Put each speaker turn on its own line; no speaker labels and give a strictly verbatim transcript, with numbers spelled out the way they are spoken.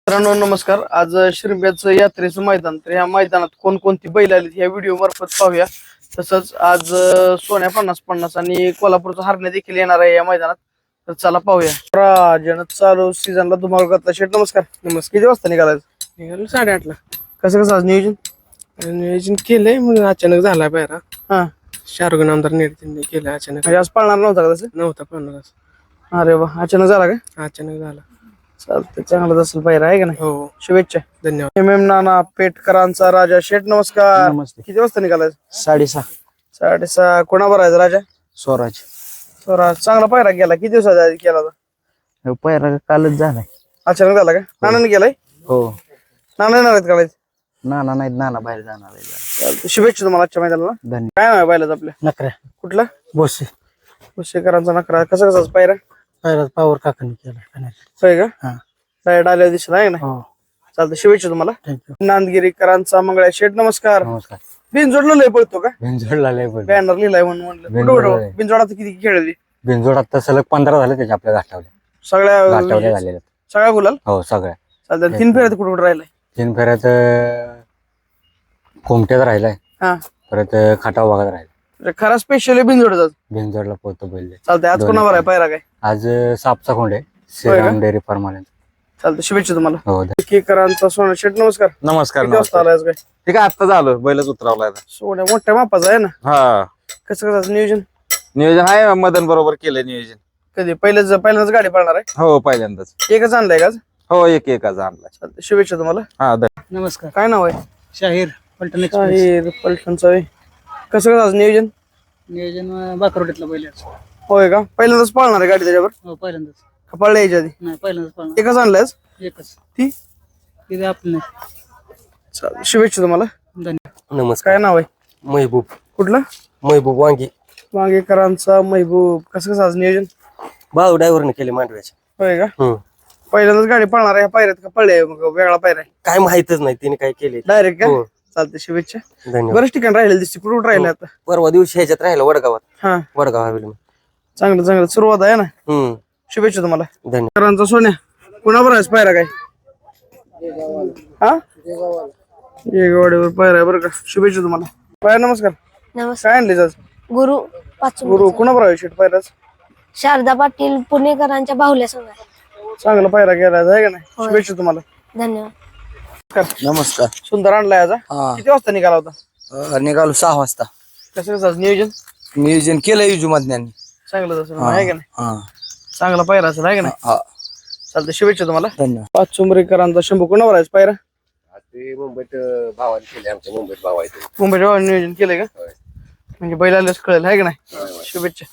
मित्रांनो नमस्कार. आज शिरंब्याचं यात्रेचं मैदान, तर ह्या मैदानात कोणकोणती बैल आली ह्या व्हिडिओ मार्फत पाहूया. तसंच आज अं, सोन्या पन्नास पन्नास आणि कोल्हापूरचा हरण्या देखील येणार आहे या मैदानात. तर चला पाहूया. राजन चालू सीझनला धुमाळ घातला. शेठ नमस्कार. नमस्कार. किती वाजता निघालायचं?
निघालो साडेआठला.
कसं कसं आज नियोजन?
नियोजन केलंय म्हणून अचानक झाला पायरा.
हा,
शाहरुख आमदार निर्णय केलं अचानक.
म्हणजे आज पळणार नव्हता का तसं?
नव्हता पन्नास.
अरे वा, अचानक झाला का?
अचानक झाला.
चालतंय, चांगलाच असेल पायरा आहे का नाही?
हो,
शुभेच्छा.
धन्यवाद.
एम एम नाना पेटकरांचा राजा. शेठ नमस्कार.
नमस्ते.
किती वाजता निघालायचं?
साडेसहा.
साडेसहा. कोणावर आहे राजा?
स्वराज.
स्वराज. चांगला पायरा गेला. किती दिवसाचा आधी केला होता?
पहिला कालच झालाय.
अचानक झाला का? नानाने गेलाय?
हो.
नाना येणार आहेत काढायचं?
नाना नाहीत, नाना बाहेर जाणार आहे.
चालतंय, शुभेच्छा तुम्हाला आजच्या मैदानाला.
धन्यवाद.
काय नाव आहे बैलाचं आपल्या?
नकऱ्या
कुठला?
बोसे.
शेकरांचा नकरा. कसा कसा पायरा?
पहिला पावर काकांनी केला.
होय का?
हा.
डायरेक्ट आल्यावर दिसला आहे ना?
हो.
चालतं, शुभेच्छा तुम्हाला.
थँक्यू.
नांदगिरीकरांचा मंगळ्या. शेठ नमस्कार.
नमस्कार.
बिनजोडला लय पळतो का?
बिनजोडला लय पण
बॅनर लिहिलाय म्हणून म्हणलं.
बिनजोड
कुठं
आहे.
बिनजोडात किती खेळली?
बिनजोड आता सलग पंधरा झाले त्याच्या आपल्या गाठावल्या
सगळ्या
गाठावल्या झालेल्या.
सगळ्या गुलाल.
हो, सगळ्या.
चालतं, तीन फेऱ्यात कुठे कुठे राहिलाय?
तीन फेऱ्यात कोमट्यात राहिलाय,
हा,
परत खटाव भागात राहिला.
म्हणजे खरा स्पेशल बिनजोडचा.
बिनजोडला पोहतो बैल.
चालतंय, आज
दोन्ही
कोणावर आहे पायरा काय?
आज सापचा खोंड आहे, श्रीराम डेअरी फार्म वाल्यांचा.
चालतं, शुभेच्छा तुम्हाला.
हो.
केकरांचा सोना. शेठ नमस्कार.
नमस्कार.
किती वाजता आलाय आज काय?
ठीक आहे, आता झालं बैलच उतरावलाय आता.
सोन्या मोठ्या मापाचा आहे ना?
हा,
कसं कसं नियोजन?
नियोजन आहे, मदन बरोबर केलंय नियोजन.
कधी पहिल्याच पहिल्यांदाच गाडी पळणार आहे?
हो, पहिल्यांदाच.
एकच आणलाय का आज?
हो, एक एकच आणलाय.
चालतंय, शुभेच्छा तुम्हाला.
हा, धन्यवाद.
नमस्कार.
काय नाव आहे?
शाहीर पलटण.
शाहीर पलटणचा आहे. कसं कसं आज नियोजन?
नियोजन बाकरोडीतला बैल.
होय का? पहिल्यांदाच पळणार आहे गाडी त्याच्यावर?
हो, पहिल्यांदाच.
का पळल्या याच्या आधी?
नाही, पहिल्यांदाच.
एकच आणलाय आज?
एकच.
ती
तिथे आपलं.
चालतंय, शुभेच्छा तुम्हाला.
धन्यवाद.
काय नाव आहे?
महबूब.
कुठलं?
महबूब वांगी.
वांगेकरांचा महबूब. कसं कसं आज नियोजन?
भाऊ ड्रायव्हरने केले मांडव्याचे.
होय का?
हम्म.
पहिल्यांदाच गाडी पळणार आहे. ह्या पायऱ्यात का पळले मग वेगळा पायरा आहे?
काय माहितच नाही तिने काय केले.
डायरेक्ट का?
हो.
चालतंय, शुभेच्छा.
धन्यवाद.
बरेच ठिकाण राहिले दिसते. कुठे कुठे राहिले आता?
परवा दिवशी ह्याच्यात राहिला वडगावात.
हा,
वडगाव हवेली.
चांगलं चांगलं सुरुवात आहे ना.
हम्म.
शुभेच्छा तुम्हाला.
धन्यवाद.
करांचा सोन्या. कुणावर आहे पायरा काय? हा, येगवाडीवर पायरा आहे बरं का. शुभेच्छा तुम्हाला. पायरा नमस्कार.
नमस्कार.
काय आणले आज?
गुरु पाचून
गुरु कुणावर आहे शेट पायराच?
शारदा पाटील पुणेकरांच्या बाहुल्या संघ आहे.
चांगला पायरा गेला आहे का नाही? शुभेच्छा तुम्हाला.
धन्यवाद.
नमस्कार.
सुंदर आणलाय आज. हा?
हा.
किती वाजता निघाला होता?
निघालो सहा वाजता.
कसं कसं आज नियोजन?
नियोजन केलं युजुमधन्यांनी.
चांगलं तसं आहे का नाही?
हा.
चांगला पायरा असेल आहे का नाही?
हा.
चालतं, शुभेच्छा तुम्हाला.
धन्यवाद.
पाच चुंबरीकरांचा शंभू कुणावर आहे पायरा?
ते मुंबईत भावाने केले, आमच्या मुंबईत भाव आहे.
मुंबईच्या नियोजन केलंय का? म्हणजे बैलालाच कळेल आहे का नाही? शुभेच्छा.